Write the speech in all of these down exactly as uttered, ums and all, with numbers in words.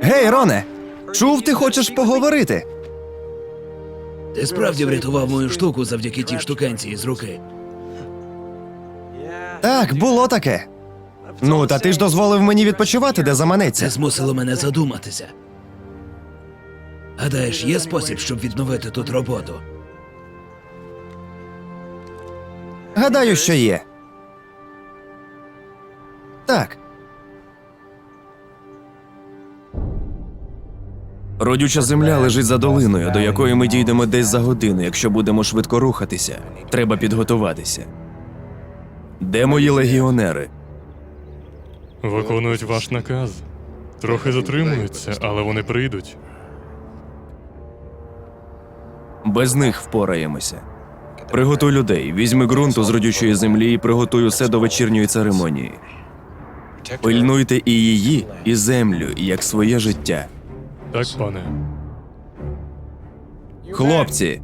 Гей, Роне! Чув, ти хочеш поговорити? Ти справді врятував мою штуку завдяки тій штукенції з руки. Так, було таке. Ну, та ти ж дозволив мені відпочивати, де Це заманеться. змусило мене задуматися. Гадаєш, є спосіб, щоб відновити тут роботу? Гадаю, що є. Так. Родюча земля лежить за долиною, до якої ми дійдемо десь за годину, якщо будемо швидко рухатися. Треба підготуватися. Де мої легіонери? Виконують ваш наказ. Трохи затримуються, але вони прийдуть. Без них впораємося. Приготуй людей, візьми ґрунту з родючої землі і приготуй усе до вечірньої церемонії. Пильнуйте і її, і землю, як своє життя. Так, пане. Хлопці,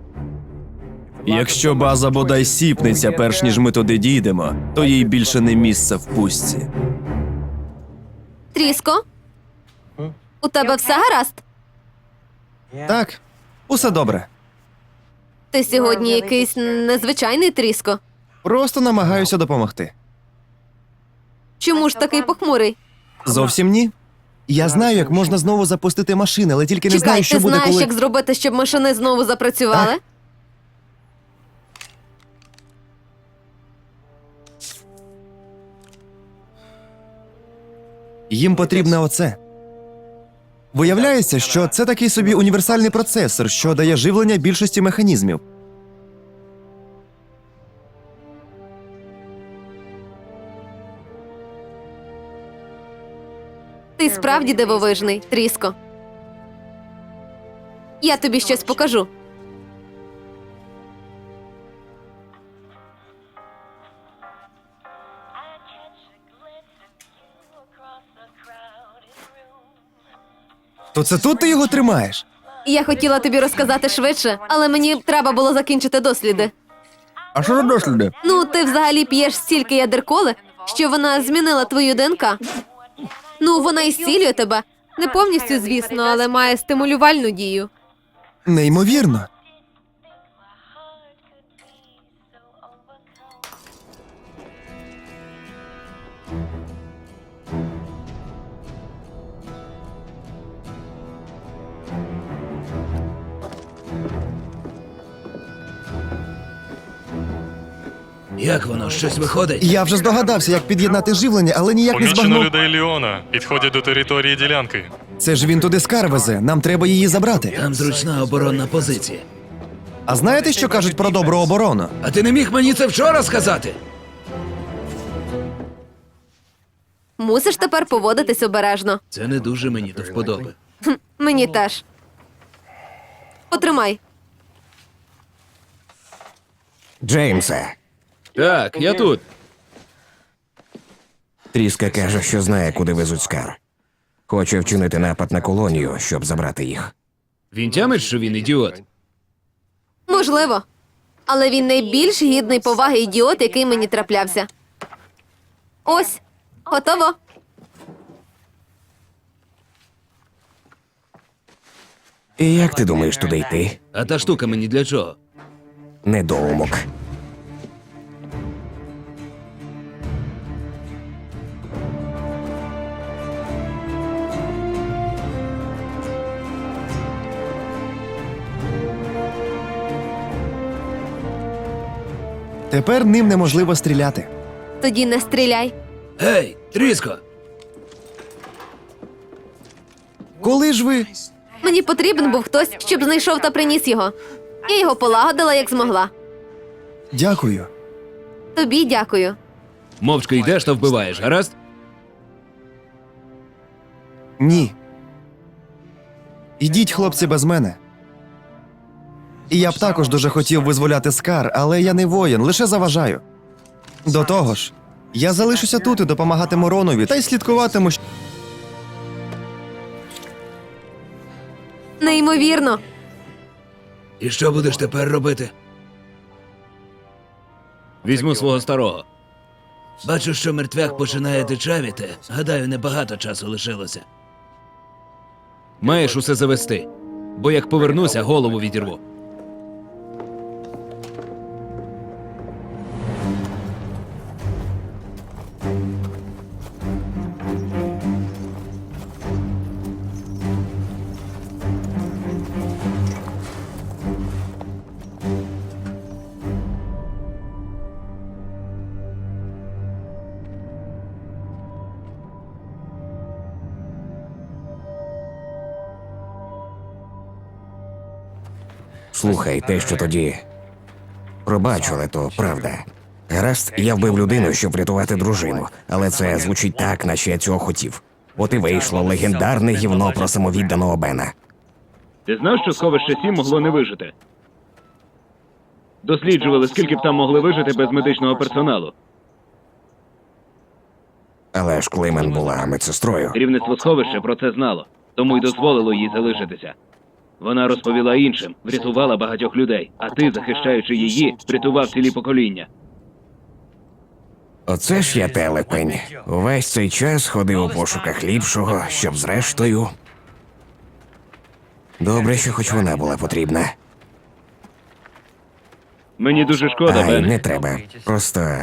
якщо база бодай сіпнеться, перш ніж ми туди дійдемо, то їй більше не місце в пустці. Тріско? У тебе все гаразд? Так, усе добре. Ти сьогодні якийсь незвичайний Тріско. Просто намагаюся допомогти. Чому ж такий похмурий? Зовсім ні. Я знаю, як можна знову запустити машини, але тільки не Чекай, знаю, ти що буде, знаєш, коли... як зробити, щоб машини знову запрацювали? Так. Їм потрібне оце. Виявляється, що це такий собі універсальний процесор, що дає живлення більшості механізмів. Ти справді дивовижний, Тріско. Я тобі щось покажу. То це тут ти його тримаєш? Я хотіла тобі розказати швидше, але мені треба було закінчити досліди. А що за досліди? Ну, ти взагалі п'єш стільки ядерколи, що вона змінила твою ДНК. Ну, вона і зцілює тебе. Не повністю, звісно, але має стимулювальну дію. Неймовірно. Як воно? Щось виходить? Я вже здогадався, як під'єднати живлення, але ніяк не Помічено збагнув. людей Ліона. Підходять до території ділянки. Це ж він туди скар везе, нам треба її забрати. Там зручна оборонна позиція. А знаєте, що кажуть про добру оборону? А ти не міг мені це вчора сказати? Мусиш тепер поводитись обережно. Це не дуже мені до вподоби. Мені теж. Потримай. Джеймсе, Так, я тут. Тріска каже, що знає, куди везуть скар. Хоче вчинити напад на колонію, щоб забрати їх. Він тямить, що він ідіот. Можливо. Але він найбільш гідний поваги ідіот, який мені траплявся. Ось, готово. І як ти думаєш туди йти? А та штука мені для чого? Недоумок. Тепер ним неможливо стріляти. Тоді не стріляй. Гей, Тріско! Коли ж ви... Мені потрібен був хтось, щоб знайшов та приніс його. Я його полагодила, як змогла. Дякую. Тобі дякую. Мовчки йдеш та вбиваєш, гаразд? Ні. Ідіть, хлопці, без мене. І я б також дуже хотів визволяти скар, але я не воїн, лише заважаю. До того ж, я залишуся тут і допомагатиму Ронові, та й слідкуватиму, що... Неймовірно. І що будеш тепер робити? Візьму свого старого. Бачу, що мертвяк починає дичавіти. Гадаю, небагато часу лишилося. Маєш усе завести. Бо як повернуся, голову відірву. Слухай, те, що тоді. Пробач, але то правда. Гаразд, я вбив людину, щоб врятувати дружину, але це звучить так, наче я цього хотів. От і вийшло легендарне гівно про самовідданого Бена. Ти знав, що сховище сім могло не вижити? Досліджували, скільки б там могли вижити без медичного персоналу. Але ж Клеймен була медсестрою. Керівництво сховища про це знало, тому й дозволило їй залишитися. Вона розповіла іншим, врятувала багатьох людей, а ти, захищаючи її, врятував цілі покоління. Оце ж я телепень. Увесь цей час ходив у пошуках ліпшого, щоб зрештою. Добре, що хоч вона була потрібна. Мені дуже шкода, Ай, Бен. не треба. Просто.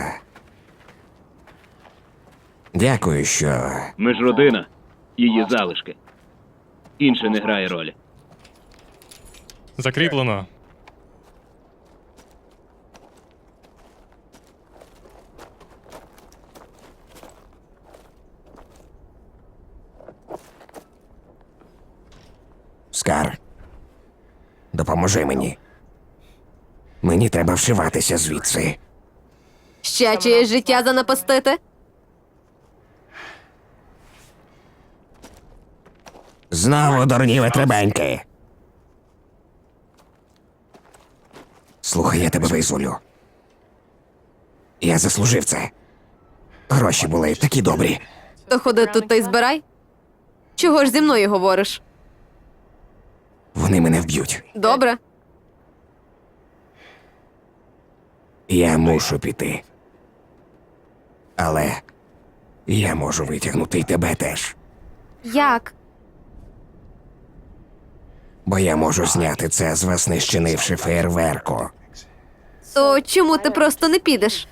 Дякую, що. Ми ж родина, її залишки. Інше не грає ролі. Закріплено. Скар. Допоможи мені. Мені треба вшиватися звідси. Ще чиєсь життя занапастити? Знову дурні витребеньки. Слухай, я тебе визволю. Я заслужив це. Гроші були такі добрі. То ходи тут та й збирай. Чого ж зі мною говориш? Вони мене вб'ють. Добре. Я мушу піти. Але я можу витягнути й тебе теж. Як? Бо я можу зняти це з вас, не щинивши фейерверку. То чому ти просто не підеш?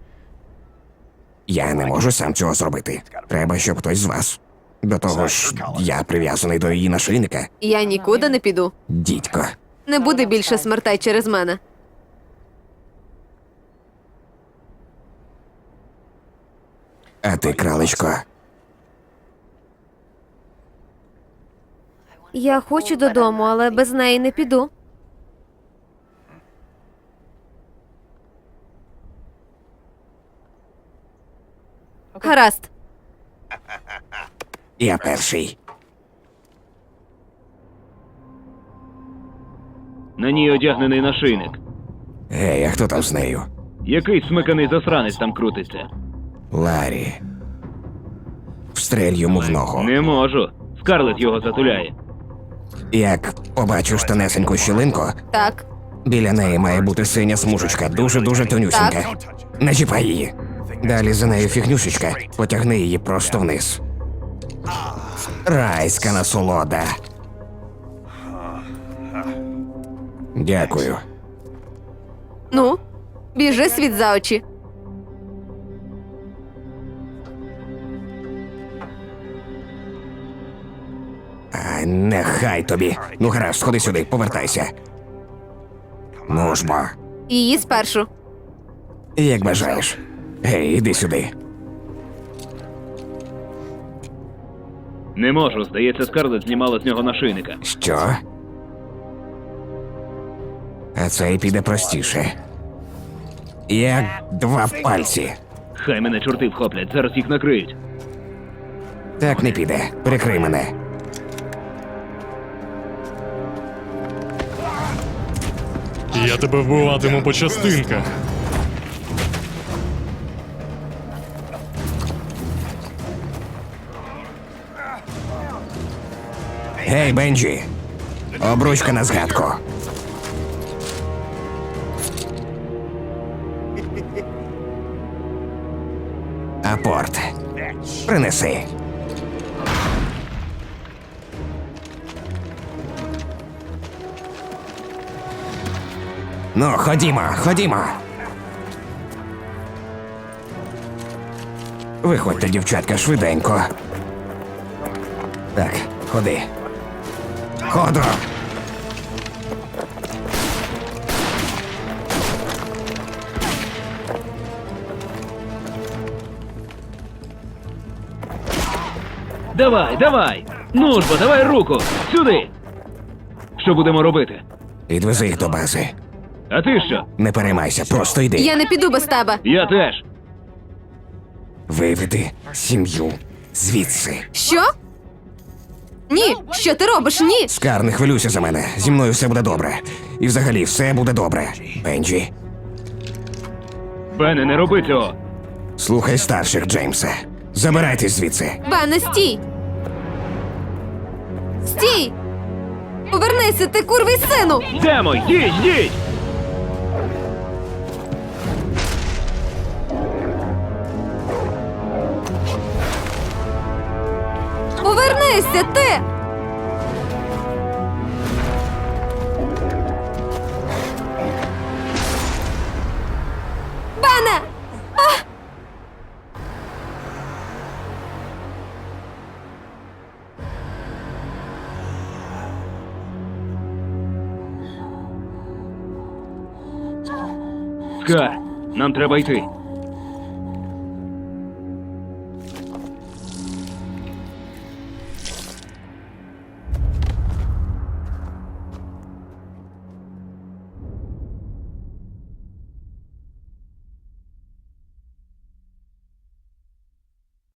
Я не можу сам цього зробити. Треба, щоб хтось з вас. До того ж, я прив'язаний до її нашийника. Я нікуди не піду. Дідько. Не буде більше смертей через мене. А ти, кралечко, Я хочу додому, але без неї не піду. Гаразд. я перший. На ній одягнений нашийник. Гей, а хто там з нею? Який смиканий засранець там крутиться? Ларі. Встрель йому в ногу. Не можу. Скарлет його затуляє. Як побачу штанесеньку щілинку, Так. біля неї має бути синя смужечка, дуже-дуже тонюсінька. Не чіпай її. Далі за нею фігнюшечка, потягни її просто вниз. Райська насолода. Дякую. Ну, біжи світ за очі. А, нехай тобі. Ну гаразд, сходи сюди, повертайся. Ну ж бо, Її спершу. як бажаєш. Гей, іди сюди. Не можу, здається, Скарлет знімала з нього нашийника. Що? А це й піде простіше. Як два пальці. Хай мене чорти вхоплять, зараз їх накриють. Так не піде. Прикрий мене. Я тебе вбиватиму по частинках. Гей, Бенджі. Обручка на згадку. Апорт. Принеси. Ну, ходімо, ходімо. Виходьте, дівчатка, швиденько. Так, ходи. Ходу. Давай, давай! Ну ж бо, давай руку! Сюди! Що будемо робити? Відвези їх до бази. А ти що? Не переймайся, просто йди. Я не піду без тебе. Я теж. Виведи сім'ю звідси. Що? Ні, що ти робиш? Ні. Скар, не хвилюйся за мене. Зі мною все буде добре. І взагалі все буде добре. Бенджі, Бене, не роби цього. слухай старших, Джеймсе. Забирайтесь звідси. Бене, стій! Стій! Повернися, ти курвий сину! Йдемо, йдіть, йдіть! Повернися, ти! Бене! А! Скар, нам треба йти.